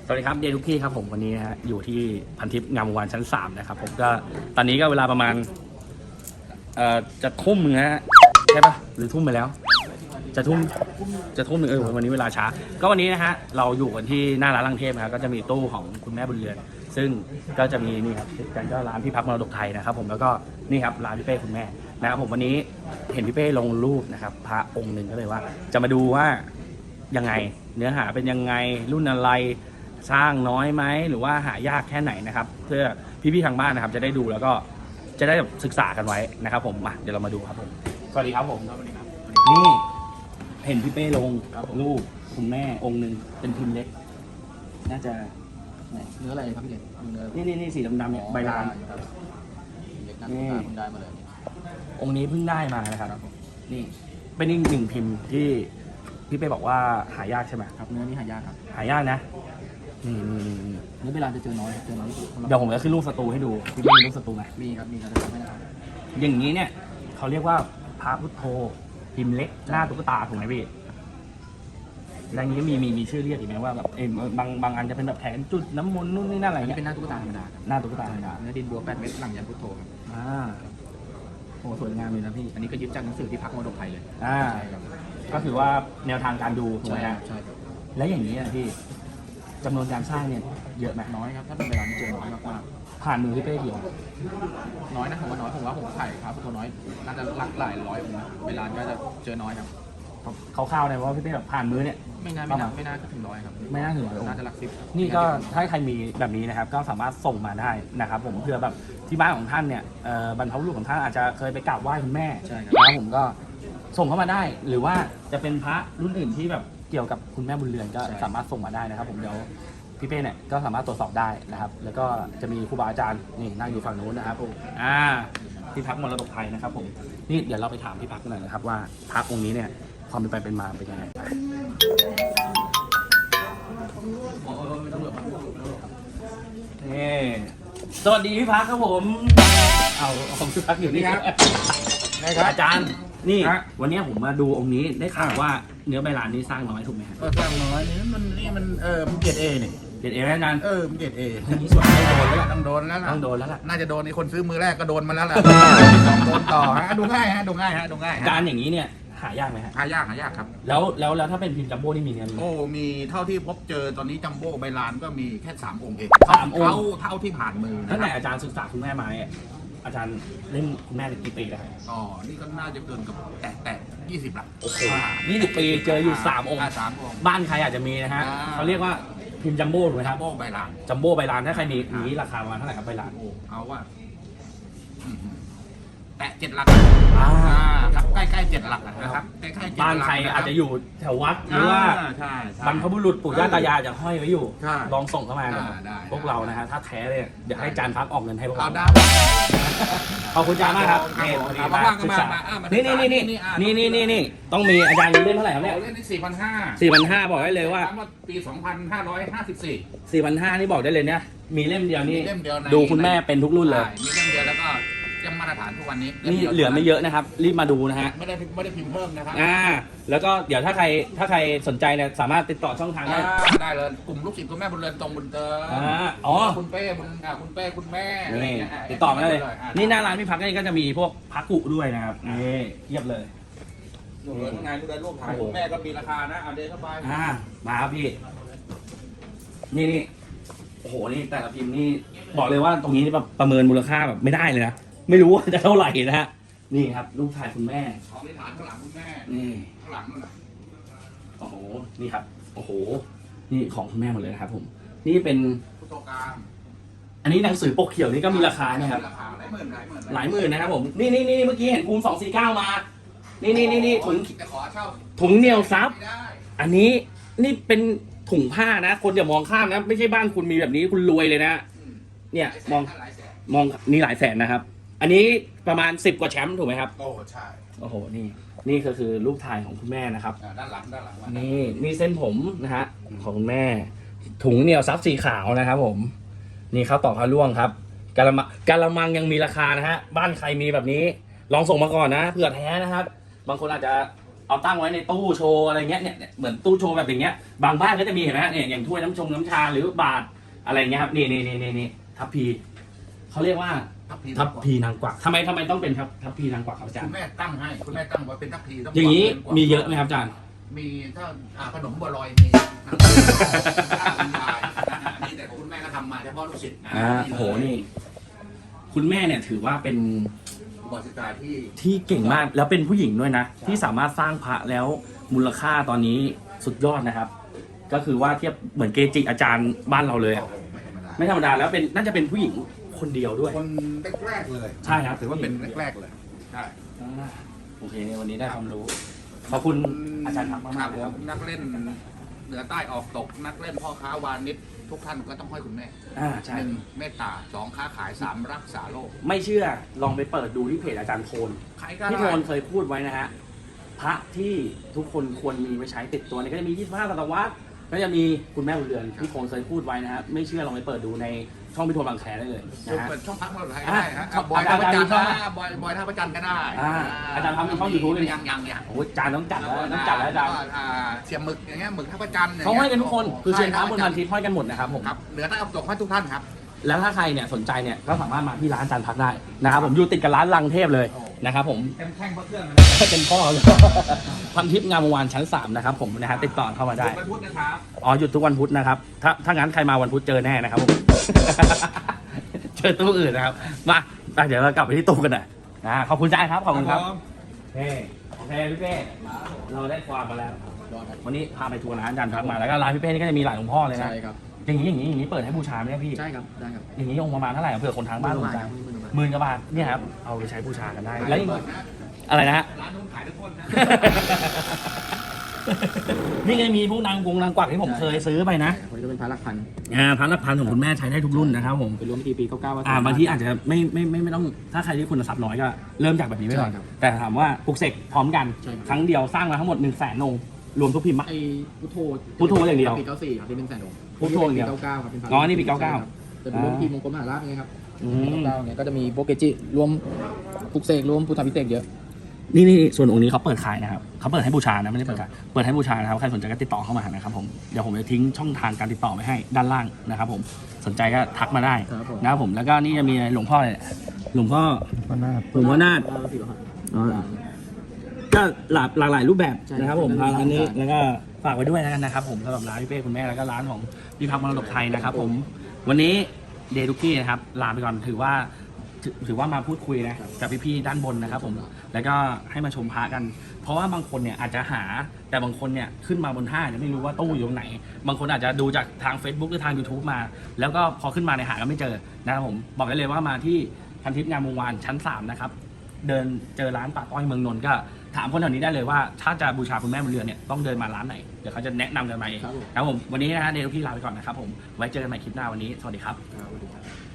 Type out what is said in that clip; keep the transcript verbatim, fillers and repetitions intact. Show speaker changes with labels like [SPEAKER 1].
[SPEAKER 1] สวัสดีครับเดทุกที่ครับผมวันนี้นะฮะอยู่ที่พันทิพย์งามวงวานชั้นสามนะครับผมก็ตอนนี้ก็เวลาประมาณเอ่อจะทุ่มนึงนะฮะใช่ปะหรือทุ่มไปแล้ว จะทุ่มจะทุ่มหนึ่งเออวันนี้เวลาช้าก็วันนี้นะฮะเราอยู่กันที่หน้าร้านลังเทพนะครับก็จะมีตู้ของคุณแม่บุญเรือนซึ่งก็จะมีนี่ครับกันก็ร้านพี่พักมรดกไทยนะครับผมแล้วก็นี่ครับร้านพี่เป้คุณแม่นะครับผมวันนี้เห็นพี่เป้ลงรูปนะครับพระองค์หนึ่งก็เลยว่า จะมาดูว่ายังไงเนื้อหาเป็นยังไงรุ่นอะไรสร้างน้อยไหมหรือว่าหายากแค่ไหนนะครับเพื่อพี่ๆทางบ้านนะครับจะได้ดูแล้วก็จะได้ศึกษากันไว้นะครับผมมาเดี๋ยวเรามาดูครับผมสวัสดีครับผมนี่เห็นพี่เป้ลงรูปคุณแม่องค์หนึ่งเป็นพิมพ์เล็กน่าจะ
[SPEAKER 2] เนื้ออะไรครับพี่เด่นเนื้อ
[SPEAKER 1] นี่นี่นี่สีดำๆเนี่ยใบลาน
[SPEAKER 2] เด็กนักศึกษาเพิ่งได้มาเลย
[SPEAKER 1] องค์นี้เพิ่งได้มานะครับนี่เป็นอีกหนึ่งพิมพ์ที่พี่เป้บอกว่าหายากใช่ไหม
[SPEAKER 2] ครับเนื้อนี้หายากครับ
[SPEAKER 1] หายากนะนี่นี่นี่นี่
[SPEAKER 2] เนื้อเวลาจะเจอน้อยเจอน้อยที่สุด
[SPEAKER 1] เดี๋ยวผมจะขึ้นรูปสตูให้ดูพี่เป้มีรูปสตูไหม
[SPEAKER 2] มีครับมีครับไม่ได้ครับ
[SPEAKER 1] อย่างนี้เนี่ยเขาเรียกว่าพระพุทโธพิมพ์เล็กหน้าตุ๊กตาถูกไหมพี่แล้วอย่างนี้มีมีมีชื่อเรียกอีกไหมว่าแบบเออบางบางอันจะเป็นแบบแขนจุดน้ำมนต์นู่นนี่นั่นอะไร
[SPEAKER 2] อันนี้
[SPEAKER 1] เงี้ย
[SPEAKER 2] เป็นหน้าตุ๊กตาธรรมดาครับ
[SPEAKER 1] หน้าตุ๊กตาธรรมดา
[SPEAKER 2] เนื้อดินบัวแปดเม็ดหลังยันพุทโธครับ
[SPEAKER 1] อ่าโอ้สวยงามเลยนะพี่
[SPEAKER 2] อันนี้ก็ยึดจากหนังสือที่พักมรดกไทยเลย
[SPEAKER 1] อ่า
[SPEAKER 2] ใช่ครับ
[SPEAKER 1] ก็ถือว่าแนวทางการดูถูกไหม
[SPEAKER 2] ใช่
[SPEAKER 1] ฮะ
[SPEAKER 2] ใช่ครับ
[SPEAKER 1] แล้วอย่างนี้นะพี่จำนวนการสร้างเนี่ยเยอะไหม
[SPEAKER 2] น้อยครับถ้าเป็นเวลานี้เจอน้อยมาก
[SPEAKER 1] ผ่านมือพี่เป้กี่องค์
[SPEAKER 2] ๆน้อยนะผมว่าน้อยผมว่าผมถ่ายครับพุทโธน้อยน่าจะหลักหลายร้อยองค์นะเวลาก็จะเจอน้อยครับ
[SPEAKER 1] คร่าวๆเลยเพราะว่าพี่เป้แบบผ่านมือเนี่ย
[SPEAKER 2] ไม่น่าไม่น่าไม่น่าถึงร้อยครับ
[SPEAKER 1] ไม่น่าถึงร้อยองค์
[SPEAKER 2] น่าจะหลักสิบ
[SPEAKER 1] นี่ก็ถ้าใครมีแบบนี้นะครับก็สามารถส่งมาได้นะครับผมเพื่อแบบที่บ้านของท่านเนี่ยเอ่อบรรพบุรุษของท่านอาจจะเคยไปกราบไหว้คุณแม่
[SPEAKER 2] ใช่ครับ
[SPEAKER 1] แล้วผมก็ส่งเข้ามาได้ หรือว่าจะเป็นพระรุ่นอื่นที่แบบเกี่ยวกับคุณแม่บุญเรือนก็สามารถส่งมาได้นะครับผมเดี๋ยวพี่เป้เนี่ยก็สามารถตรวจสอบได้นะครับ แล้วก็จะมีครูบาอาจารย์นี่นั่งอยู่ฝั่งนู้นนะครับผมอ่าพี่พักมรดกไทยนะครับผมนี่เดี๋ยวเราไปถามพี่พักกันหน่อยนะครับว่าพระองค์นี้เนี่ยความเป็นไปเป็นมาเป็นยังไงนี่สวัสดีพี่พักครับผมเอาของพี่พักอยู่นี่ครับอาจารย์นี่วันนี้ผมมาดูองค์นี้ได้ข่าวว่าเนื้อใบลานนี้สร้างน้อยถูกไหมครับ
[SPEAKER 3] ก็สร้างน้อยนี่มันนี่มันเออมันเกรดเอนี่
[SPEAKER 1] เด็ดเอไหมอาจารย์
[SPEAKER 3] เออมันเกรดเอ
[SPEAKER 1] อย่างนี้ส่วนไม่โดนแล้วล่ะ
[SPEAKER 3] ต้องโดนแล้วล่ะ
[SPEAKER 1] ต้องโดนแล้วล่ะ
[SPEAKER 3] น่าจะโดนในคนซื้อมือแรกก็โดนมาแล้วล่ะโดนต่อฮะดูง่ายฮะดูง่ายฮะดูง่าย
[SPEAKER 1] อา
[SPEAKER 3] ฮะ
[SPEAKER 1] จารย์อย่างนี้เนี่ยหายากไหมฮะ
[SPEAKER 3] หายากหายากครับ
[SPEAKER 1] แล้วแล้วแล้วถ้าเป็นพิมพ์จัมโบ้นี่มีเนื้อมีไหม
[SPEAKER 3] โอ้มีเท่าที่พบเจอตอนนี้จัมโบ้ใบลานก็มีแค่สามองค์เอง
[SPEAKER 1] สามองค์
[SPEAKER 3] เท่าเท่าที่ผ่านมือ
[SPEAKER 1] ตั้ง
[SPEAKER 3] นะค
[SPEAKER 1] แต่
[SPEAKER 3] รับ
[SPEAKER 1] อาจารย์ศึกษาคุณแม่มาเนี่ยอาจารย์เล่นคุณแม่เป็นกี่ปีแล้วครับ
[SPEAKER 3] อ๋อนี่ก็น่าจะเกินกับแตะแตะยี่สิบละ
[SPEAKER 1] โอ้โหนี่สิบปีเจออยู่สามองค์
[SPEAKER 3] สามองค์
[SPEAKER 1] บ้านใครอาจจะมีนะฮะ
[SPEAKER 3] อ่า
[SPEAKER 1] เขาเรียกว่าพิมพ์จัมโบ้ถูกไหมค
[SPEAKER 3] จั
[SPEAKER 1] รั
[SPEAKER 3] ม
[SPEAKER 1] บ
[SPEAKER 3] โบ้ใบลาน
[SPEAKER 1] จัมโบ้ใบลานถ้าใครมีอย่างนี้ราคาประมาณเท่าไหร่ครับใบลาน
[SPEAKER 3] โอ้เอาว่าอืมแตะเจ็ดหลัก
[SPEAKER 1] อ่า
[SPEAKER 3] อ่าครับใกล้ใกล้ๆเจ็ดหลักนะครับใกล้ๆเจ็ดหลัก
[SPEAKER 1] บ้านใครอาจจะอยู่แถววัดหรือว่า
[SPEAKER 3] ใช่ใช่
[SPEAKER 1] บรรพบุรุษปู่ย่าตายายจะห้อยไว้อยู่
[SPEAKER 3] ใช่
[SPEAKER 1] ลองส่งเข้ามา
[SPEAKER 3] ได้
[SPEAKER 1] นะครับ
[SPEAKER 3] ได้
[SPEAKER 1] พวกเรานะฮะถ้าแท้เลยเดี๋ยวให้อาจารย์พักออกเงินให้พวก
[SPEAKER 3] เอา
[SPEAKER 1] เรา
[SPEAKER 3] ได้
[SPEAKER 1] ขอบคุณอาจารย์มากครับ
[SPEAKER 3] ครับ
[SPEAKER 1] นี่
[SPEAKER 3] ผม
[SPEAKER 1] พอดี
[SPEAKER 3] ครับ
[SPEAKER 1] มา
[SPEAKER 3] ว่างๆก็
[SPEAKER 1] ศึก
[SPEAKER 3] มา
[SPEAKER 1] ษา
[SPEAKER 3] มาอ่ะมา
[SPEAKER 1] นี่นี่นี่
[SPEAKER 3] นี่
[SPEAKER 1] นี่
[SPEAKER 3] อ่ะ
[SPEAKER 1] นี่นี่นี่นี่ต้องมีอาจารย์เล่นเท่าไหร่ครับเนี่ย
[SPEAKER 3] โอ้เล่นที่สี่พันห้า
[SPEAKER 1] สี่พันห้าบอกได้เลยว่า
[SPEAKER 3] ปีสองพันห้าร้อยห้าสิบสี่
[SPEAKER 1] สี่พันห้านี่บอกได้เลยเนี่ยมีเล่มเดียวนี่
[SPEAKER 3] มีเล่มเดียวใน
[SPEAKER 1] ดูคุณแม่เป็นทุกรุ่นเลย
[SPEAKER 3] ใช่มีเล่มเดียวแล้วก็ยังมาตรฐานทุกวันนี้
[SPEAKER 1] นี่
[SPEAKER 3] ล่มดียว
[SPEAKER 1] เหลือไม่เยอะนะครับ รีบมาดูนะฮะ
[SPEAKER 3] ไม่ได้ไม่ได้พิมพ์เพิ่มนะครับ
[SPEAKER 1] อ่าแล้วก็เดี๋ยวถ้าใครถ้าใครสนใจเนี่ยสามารถติดต่อช่องทางได้
[SPEAKER 3] อ่าได้เลยกลุ่มลูกศิษย์คุณแม่บุญเรือนตรงบุญเติม
[SPEAKER 1] อ่าอ๋อ
[SPEAKER 3] คุณเป้บุญอ่าคุณเป้คุณแม่อะไร
[SPEAKER 1] นี่
[SPEAKER 3] เงี้ย
[SPEAKER 1] ติดต่อมาได้เลย
[SPEAKER 3] อ่ะ
[SPEAKER 1] นี่หน้าร้านพี่พักนี่ก็จะมีพวกพักกุด้วยนะครับนี่เทียบเลย
[SPEAKER 3] ดูเลยงานดูเลยรูปถ่ายคุณแม่ก็มีราคานะเอาเดินเข้าไป
[SPEAKER 1] อ่ามาครับพี่ นี่นี่โอ้โหนี่แต่ละพิมพ์นี่บอกเลยว่าตรงนี้นี่แบบประเมินมูลค่าแบบไม่ได้เลยนะไม่รู้ว่าจะเท่าไหร่นะฮะนี่ครับลูกชายคุณแม่
[SPEAKER 3] ของที่ฐานข้างหลังคุณแม่
[SPEAKER 1] นี่
[SPEAKER 3] ข้างหลังนั่นน่ะ
[SPEAKER 1] โอ้โหนี่ครับโอ้โหนี่ของคุณแม่หมดเลยนะครับผม นี่เป็น
[SPEAKER 3] พุทธการ
[SPEAKER 1] อันนี้หนังสือปกเขียวนี่ก็มีราคาเนี่ยครับ
[SPEAKER 3] ราคาหลายหมื่นหลายหมื่น
[SPEAKER 1] หลายหมื่นนะครับผมนี่นี่นี่เมื่อกี้เห็นภูมิสองสี่เก้ามา นี่นี่นี่นี่ถุง
[SPEAKER 3] แต่ขอเช่า
[SPEAKER 1] ถุงเหนียวซับ
[SPEAKER 3] ไม่ได้
[SPEAKER 1] อันนี้นี่เป็นถุงผ้านะ คนอย่ามองข้ามนะ ไม่ใช่บ้านคุณมีแบบนี้คุณรวยเลยนะ
[SPEAKER 3] อืม
[SPEAKER 1] เนี่ยมอง
[SPEAKER 3] หลายแสน
[SPEAKER 1] มองนี่หลายแสนนะครับ อันนี้ประมาณสิบกว่าแชมป์ถูกไหมครับ
[SPEAKER 3] โอ้ใช่
[SPEAKER 1] โอ้โหนี่นี่ก็คือรูปถ่ายของคุณแม่นะครับ
[SPEAKER 3] อ่าด้านหลังด้านหลังมา
[SPEAKER 1] นี่นี่เส้นผมนะฮะของคุณแม่ ถุงเหนียวซับสีขาวนะครับผม นี่ข้าวตอกพระร่วงครับกะละมังกะละมังยังมีราคานะฮะบ้านใครมีแบบนี้ ลองส่งมาก่อนนะเผื่อแท้นะครับ บางคนอาจจะเอาตั้งไว้ในตู้โชว์อะไรเงี้ยเนี่ยเนี่ยเหมือนตู้โชว์แบบอย่างเงี้ยบางบ้านก็จะมีเห็นไหมเนี่ยอย่างถ้วยน้ำชงน้ำชาหรือบาทอะไรเงี้ยครับนี่นี่นี่นี่นี่ทัพพีเขาเรียกว่า
[SPEAKER 3] ทัพพี
[SPEAKER 1] ทัพพีนางกวักทำไมทำไมต้องเป็นทัพทัพพีนางกวักครับอาจาร
[SPEAKER 3] คุ
[SPEAKER 1] ย์
[SPEAKER 3] ณแม่ตั้งให้คุณแม่ตั้งไว้เป็นทัพพีต้อง
[SPEAKER 1] อย่างนี้
[SPEAKER 3] กวัก
[SPEAKER 1] มีเยอะไหมครับอาจารย์
[SPEAKER 3] มีถ้าอ่าขนมบัวลอยมีนี่แต่ของคุณแม่ก็ทำมาเฉพาะลูกศิษย์
[SPEAKER 1] อ่าโอ้โหนี่ คุณแม่เนี่ยถือว่าเป็น
[SPEAKER 3] อุบาสิกาที่
[SPEAKER 1] ที่เก่งมากแล้วเป็นผู้หญิงด้วยนะ ที่สามารถสร้างพระแล้วมูลค่าตอนนี้สุดยอดนะครับ ก็คือว่าเทียบเหมือนเกจิอาจารย์บ้านเราเลยอะ
[SPEAKER 3] ไม่ธรรมดา
[SPEAKER 1] ไม่ธรรมดาแล้วเป็นน่าจะเป็นผู้หญิงคนเดียวด้วย
[SPEAKER 3] คนแรกๆเลย
[SPEAKER 1] ใช่ครับ
[SPEAKER 3] ถือว่าเป็นแรกๆเลยใช่
[SPEAKER 1] อ่าโอเควันนี้ได้ความรู้ ขอบคุณอาจารย์ทักมากๆเลย
[SPEAKER 3] ค
[SPEAKER 1] ค
[SPEAKER 3] รั
[SPEAKER 1] รั
[SPEAKER 3] บบ นักเล่นเหนือใต้ออกตกนักเล่นพ่อค้าวานิชทุกท่านก็ต้องห้อยคุณแม่
[SPEAKER 1] อ่าใช่
[SPEAKER 3] หนึ่งเมตตาสองค้าขายสามรักษาโลก
[SPEAKER 1] ไม่เชื่อลองไปเปิดดูที่เพจอาจารย์โทน
[SPEAKER 3] ใครก็
[SPEAKER 1] พี่
[SPEAKER 3] ได้
[SPEAKER 1] โทนเคยพูดไว้นะฮะพระที่ทุกคนควรมีไว้ใช้ติดตัวเนี่ยก็จะมียี่สิบห้าศตวรรษก็จะมีคุณแม่บุญเรือนพี่โทนเคยพูดไว้นะฮะไม่เชื่อลองไปเปิดดูในช่องพี่โทนบางแคได้เลยนะฮะ
[SPEAKER 3] เปิดช่องพักเราไทยก็ได้ฮะ
[SPEAKER 1] อ่ะ
[SPEAKER 3] บอยท่าประจันทร์
[SPEAKER 1] อาจารย์มีช่อง
[SPEAKER 3] นะบอยบอยท่าประจันทร์ก็ได้
[SPEAKER 1] อ่าอาจารย์ทำมีช่อง YouTube เลยเนี่ย
[SPEAKER 3] ยังยังยัง
[SPEAKER 1] โอ้ยอาจารย์ต้องจัดแล้วต้องจัดแล้วอาจารย์
[SPEAKER 3] อ่าเสียบหมึกอย่างเงี้ยหมึกท่าประจันทร์
[SPEAKER 1] เขาห้อยกันทุกคนคือเชียงคานบนพัน
[SPEAKER 3] ทิ
[SPEAKER 1] ทิพย์ห้อยกันหมดนะครับผม
[SPEAKER 3] ครับเหนือใต้ออกตกให้ทุกท่านครับ
[SPEAKER 1] แล้วถ้าใครเนี่ยสนใจเนี่ยก็สามารถมาที่ร้านอาจารย์พักได้นะครับผมอยู่ติดกับร้านลังเทพเลยนะครับผม
[SPEAKER 3] เต็มแท่งพระเครื่องนะ
[SPEAKER 1] เป็นพ่อเลยพันทิพย์งามวงศ์วานชั้นสามนะครับผมนะฮะติดต่อเข้ามาได้
[SPEAKER 3] วันพุธนะครับ
[SPEAKER 1] อ๋อหยุดทุกวันพุธนะครับถ้าถ้างั้นใครมาวันพุธเจอแน่นะครับผม เจอตู้อื่นนะครับมาอ่ะเดี๋ยวเรากลับไปที่ตู้กันหน่อยนะขอบคุณจ้าครับขอบคุณครับเฮ้โอเคพี่เป้เราได้ความมาแล้ว วันนี้พาไปทัวร์ร้านอาจารย์พักมาแล้วก็ร้านพี่เป้นี่ก็จะมีหลายหลวงพ่อเลยนะ
[SPEAKER 2] ใช่ครับ
[SPEAKER 1] อย่างนี้อย่างนี้อย่างนี้เปิดให้บูชาไหมเนี่ยพี่
[SPEAKER 2] ใช่ครับได้ครับ
[SPEAKER 1] อย่างนี้องค์ประมาณเท่าไหร่เผื่อคนทางบ้านสนใจ
[SPEAKER 2] หมื่นกว่าบาท
[SPEAKER 1] หมื่นกว่าบาทเนี่ยครับเอาไปใช้บูชากันได้แล้วอีกอะไรนะฮะ
[SPEAKER 3] ร้านนู้นขายทุกคนนะ
[SPEAKER 1] นี่ไงมีพวกนางกงนางกวักที่ผมเคยซื้อไปนะ
[SPEAKER 2] คนนี้ก็เป็นพระหลักพัน
[SPEAKER 1] อ่าพันละพันของคุณแม่ใช้ได้ทุกรุ่นนะครับผม
[SPEAKER 2] เป็นรวมพิธีปีเก้าเก้า
[SPEAKER 1] อ่าบางทีอาจจะไม่ไม่ไม่ไม่ต้องถ้าใครที่คุณทรัพย์น้อยก็เริ่มจากแบบนี้ไปก่อน
[SPEAKER 2] ใช่ครับ
[SPEAKER 1] แต่ถามว่าปลุกเสกพร้อมกัน
[SPEAKER 2] ใช่ครับ
[SPEAKER 1] ครั้งเดียวสร้างมาทั้งหมดหนึ่งแสนองค์รวมทุกพิมพ์ปะ
[SPEAKER 2] ไอ้พุทโธ
[SPEAKER 1] พุทโธอย่างเดียว
[SPEAKER 2] ปีเก้าสี่ครับที่เป็นแสนองค์
[SPEAKER 1] พุทโธอย่างเดียว
[SPEAKER 2] ปีเก้าเก้าครับเป็นพระ
[SPEAKER 1] อ๋อนี่ปีเก้าเก้า
[SPEAKER 2] ใช่ครับจะเป็นรวมพิธีมงคลมหาราชไงครับ
[SPEAKER 1] อื
[SPEAKER 2] ปี
[SPEAKER 1] ม
[SPEAKER 2] เก้าเก้าเนี่ยก็จะมีโปรเกจิรวมปลุกเสกรวมพุทธพิเศษกเยอะ
[SPEAKER 1] นี่นี่ส่วนองค์นี้เขาเปิดขายนะครับเขาเปิดให้บูชานะไม่ได้เปิดขายเปิดให้บูชานะครับใครสนใจก็ติดต่อเข้ามานะครับผมเดี๋ยวผมจะทิ้งช่องทางการติดต่อไว้ให้ด้านล่างนะครับผมสนใจก็ทักมาได้
[SPEAKER 2] ครับผม
[SPEAKER 1] นะครับผมแล้วก็นี่จะมีหลวงพ่อเนี่ยหลวงพ่อ
[SPEAKER 2] พระนาถ
[SPEAKER 1] หลวงพ่อนาถ
[SPEAKER 2] พระศิลปะ
[SPEAKER 1] อ๋อ ก็หลากหลากหลายรูปแบบ
[SPEAKER 2] ใช่
[SPEAKER 1] นะครับผม
[SPEAKER 2] ใช่
[SPEAKER 1] ร้านนี้
[SPEAKER 2] ใช่
[SPEAKER 1] แล้วก็ฝากไว้ด้วยแล้วกันนะครับผมสำหรับร้านพี่เป้คุณแม่แล้วก็ร้านของพี่พักมรดกไทยนะครับผมวันนี้เดดุกี้นะครับลาไปก่อนถือว่าถือถือว่ามาพูดคุยนะกับพี่ๆด้านบนนะครับผมแล้วก็ให้มาชมพระกัน เพราะว่าบางคนเนี่ยอาจจะหาแต่บางคนเนี่ยขึ้นมาบนห้างจะไม่รู้ว่าตู้อยู่ตรงไหน บางคนอาจจะดูจากทาง Facebook หรือทาง YouTube มา แล้วก็พอขึ้นมาในยหาก็ไม่เจอนะครับผมบอกได้เลยว่ามาที่พันทิพย์งามวงศ์วานชั้นสามนะครับเดินเจอร้านป่าต้อยเมืองนนท์ก็ถามคนแถวนี้ได้เลยว่าถ้าจะบูชาคุณแม่บนเรือนเนี่ยต้องเดินมาร้านไหนเดี๋ยวเขาจะแนะนำกันมาเอง
[SPEAKER 2] ครับผม
[SPEAKER 1] ครับผมวันนี้นะฮะเดลพี่ลาไปก่อนนะครับผมไว้เจอกันใหม่คลิปหน้าวันนี้สวัสดีครับ
[SPEAKER 2] ครับสวัสดีครับ